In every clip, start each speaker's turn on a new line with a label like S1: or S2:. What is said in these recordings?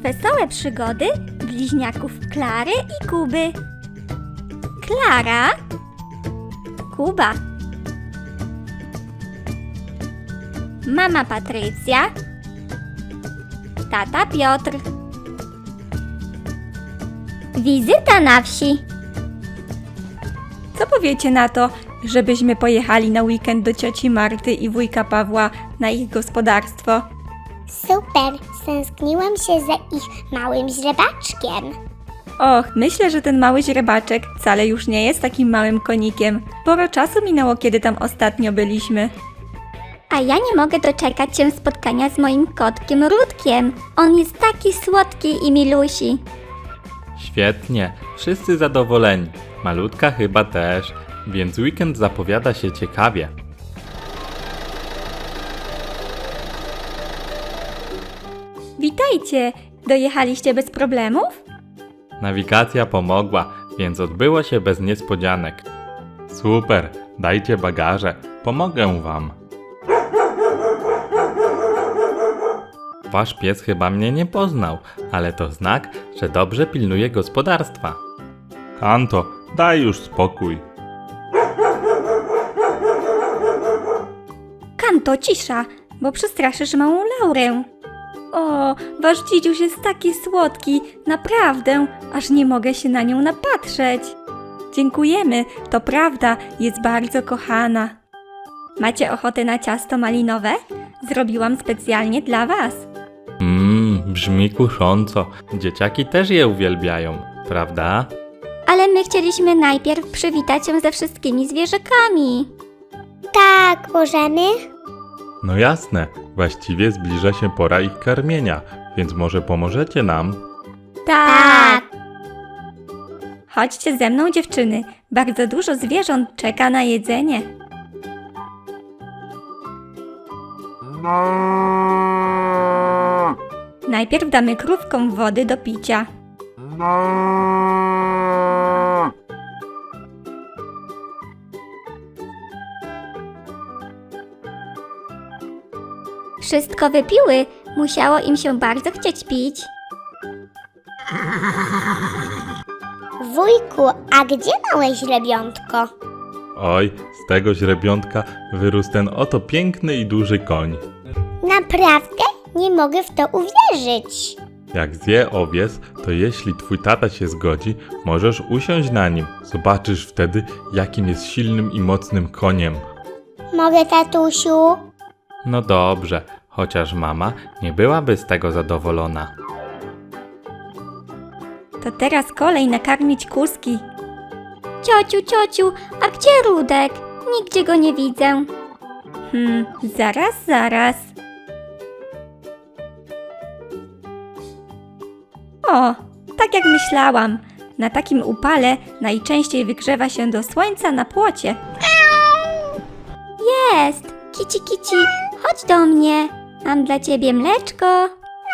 S1: Wesołe przygody bliźniaków Klary i Kuby. Klara, Kuba, mama Patrycja, tata Piotr. Wizyta na wsi.
S2: Co powiecie na to, żebyśmy pojechali na weekend do cioci Marty i wujka Pawła na ich gospodarstwo?
S3: Super, stęskniłam się za ich małym źrebaczkiem.
S2: Och, myślę, że ten mały źrebaczek wcale już nie jest takim małym konikiem. Sporo czasu minęło, kiedy tam ostatnio byliśmy.
S1: A ja nie mogę doczekać się spotkania z moim kotkiem Rudkiem. On jest taki słodki i milusi.
S4: Świetnie, wszyscy zadowoleni. Malutka chyba też, więc weekend zapowiada się ciekawie.
S2: Witajcie! Dojechaliście bez problemów?
S4: Nawigacja pomogła, więc odbyło się bez niespodzianek. Super, dajcie bagaże, pomogę wam. Wasz pies chyba mnie nie poznał, ale to znak, że dobrze pilnuje gospodarstwa. Kanto, daj już spokój.
S2: Kanto, cisza, bo przestraszysz małą Laurę. O, wasz dzidziuś jest taki słodki, naprawdę, aż nie mogę się na nią napatrzeć. Dziękujemy, to prawda, jest bardzo kochana. Macie ochotę na ciasto malinowe? Zrobiłam specjalnie dla was.
S4: Brzmi kusząco. Dzieciaki też je uwielbiają, prawda?
S1: Ale my chcieliśmy najpierw przywitać się ze wszystkimi zwierzakami.
S3: Tak, możemy?
S4: No jasne, właściwie zbliża się pora ich karmienia, więc może pomożecie nam?
S2: Tak! Chodźcie ze mną, dziewczyny. Bardzo dużo zwierząt czeka na jedzenie. Najpierw damy krówkom wody do picia.
S1: Wszystko wypiły, musiało im się bardzo chcieć pić.
S3: Wujku, a gdzie małe źrebiątko?
S4: Oj, z tego źrebiątka wyrósł ten oto piękny i duży koń.
S3: Naprawdę? Nie mogę w to uwierzyć.
S4: Jak zje owiec, to jeśli twój tata się zgodzi, możesz usiąść na nim. Zobaczysz wtedy, jakim jest silnym i mocnym koniem.
S3: Mogę, tatusiu?
S4: No dobrze, chociaż mama nie byłaby z tego zadowolona.
S2: To teraz kolej nakarmić kózki.
S1: Ciociu, a gdzie Rudek? Nigdzie go nie widzę.
S2: Zaraz. O, tak jak myślałam. Na takim upale najczęściej wygrzewa się do słońca na płocie.
S1: Jest! Kici, chodź do mnie. Mam dla ciebie mleczko.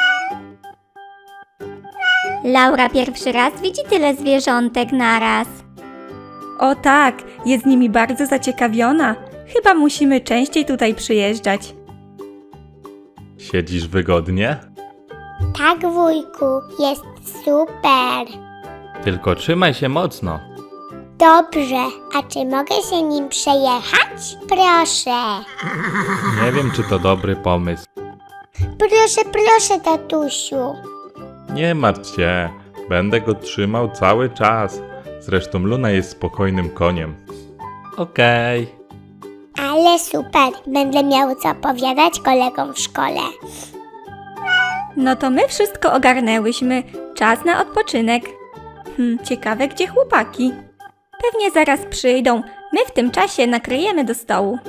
S1: Laura pierwszy raz widzi tyle zwierzątek naraz.
S2: O tak, jest nimi bardzo zaciekawiona. Chyba musimy częściej tutaj przyjeżdżać.
S4: Siedzisz wygodnie?
S3: Tak, wujku, jest super.
S4: Tylko trzymaj się mocno.
S3: Dobrze, a czy mogę się nim przejechać? Proszę.
S4: Nie wiem, czy to dobry pomysł.
S3: Proszę, tatusiu.
S4: Nie martw się, będę go trzymał cały czas. Zresztą Luna jest spokojnym koniem. Okej.
S3: Ale super, będę miał co opowiadać kolegom w szkole.
S2: No to my wszystko ogarnęłyśmy. Czas na odpoczynek. Ciekawe, gdzie chłopaki? Pewnie zaraz przyjdą. My w tym czasie nakryjemy do stołu.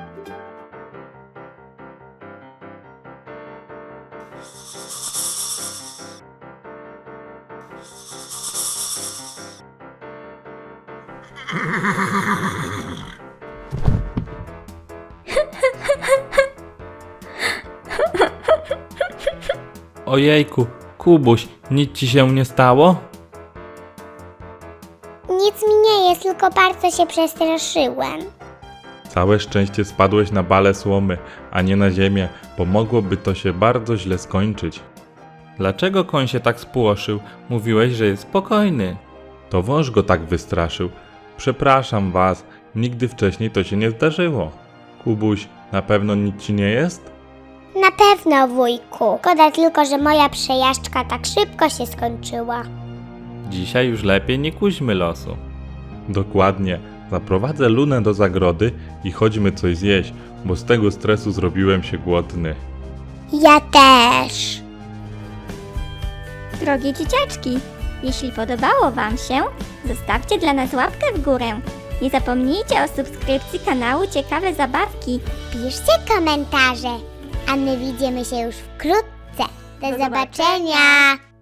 S4: Ojejku, Kubuś, nic ci się nie stało?
S3: Nic mi nie jest, tylko bardzo się przestraszyłem.
S4: Całe szczęście spadłeś na balę słomy, a nie na ziemię, bo mogłoby to się bardzo źle skończyć. Dlaczego koń się tak spłoszył? Mówiłeś, że jest spokojny. To wąż go tak wystraszył. Przepraszam was, nigdy wcześniej to się nie zdarzyło. Kubuś, na pewno nic ci nie jest?
S3: Na pewno, wujku. Szkoda tylko, że moja przejażdżka tak szybko się skończyła.
S4: Dzisiaj już lepiej nie kuźmy losu. Dokładnie. Zaprowadzę Lunę do zagrody i chodźmy coś zjeść, bo z tego stresu zrobiłem się głodny.
S3: Ja też.
S1: Drogie dzieciaczki, jeśli podobało Wam się, zostawcie dla nas łapkę w górę. Nie zapomnijcie o subskrypcji kanału Ciekawe Zabawki.
S3: Piszcie komentarze, a my widzimy się już wkrótce. Do zobaczenia.